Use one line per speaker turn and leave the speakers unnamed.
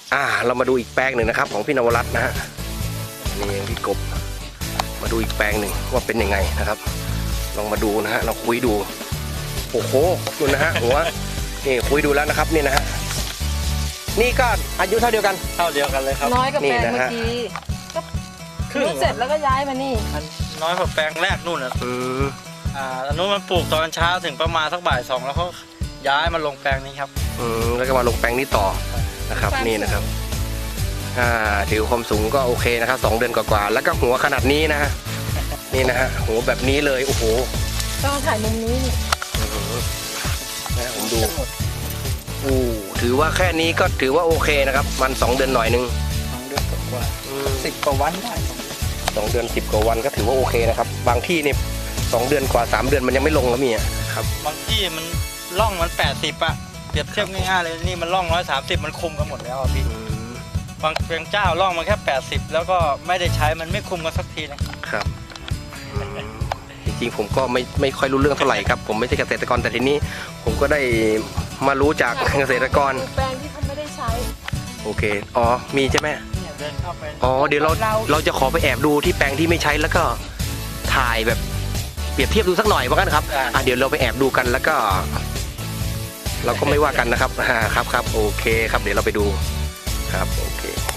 เรามาดูอีกแปลงหนึ่งนะครับของพี่นวรัตน์นะฮะนี่พี่กบมาดูอีกแปลงหนึ่งว่าเป็นยังไงนะครับลองมาดูนะฮะเราคุยดูโอ้โหดูนะฮะหัวนี่คุยดูแล้วนะครับนี่นะฮะนี่ก็อายุเท่าเดียวกัน
เลยครับ
น้อยกับแปลงเมื่อกี้ก็ขึ้นเสร็จแล้วก็ย้ายมานี่
น้อยกว่าแปลงแรกนู่นนะอันนู้นมันปลูกตอนเช้าถึงประมาณสักบ่าย2แล้วเขาย้ายมาลงแปลงนี้ครับ
แล้วก็มาลงแปลงนี้ต่อนะครับนี่นะครับถือความสูงก็โอเคนะครับ2 เดือนกว่าๆแล้วก็หัวขนาดนี้นะฮะนี่นะฮะหัวแบบนี้เลยโอ้โห
ต้องถ่ายมุมนี้
นะผมดูถือว่าแค่นี้ก็ถือว่าโอเคนะครับมัน2 เดือนหน่อยนึง
2 เดือนกว่า10 กว่าวันได้
2 เดือน10 กว่าวันก็ถือว่าโอเคนะครับบางที่นี่2 เดือนกว่า3 เดือนมันยังไม่ลงแล้วมีครับ
บางที่มันล่องมัน80อ่ะเปรียบเทียบง่ายๆเลยนี่มันล่อง130มันคุมกันหมดแล้วพี่บางเพียงเจ้าล่องมาแค่80แล้วก็ไม่ได้ใช้มันไม่คุมกันสักทีนะครับ
จริงๆผมก็ไม่ค่อยรู้เรื่องเท่าไหร่ครับผมไม่ใช่เกษตรกรแต่ทีนี้ผมก็ได้มารู้จากเกษตรกร
แปลงที่เขาไม่ได้ใช้
โอเคมีใช่ไหม
เดินเข้าไป
เดี๋ยวเราจะขอไปแอบดูที่แปลงที่ไม่ใช้แล้วก็ถ่ายแบบเปรียบเทียบดูสักหน่อยว่ากันครับเดี๋ยวเราไปแอบดูกันแล้วก็เราก็ไม่ว่ากันนะครับครับโอเคครับเดี๋ยวเราไปดูครับโอเค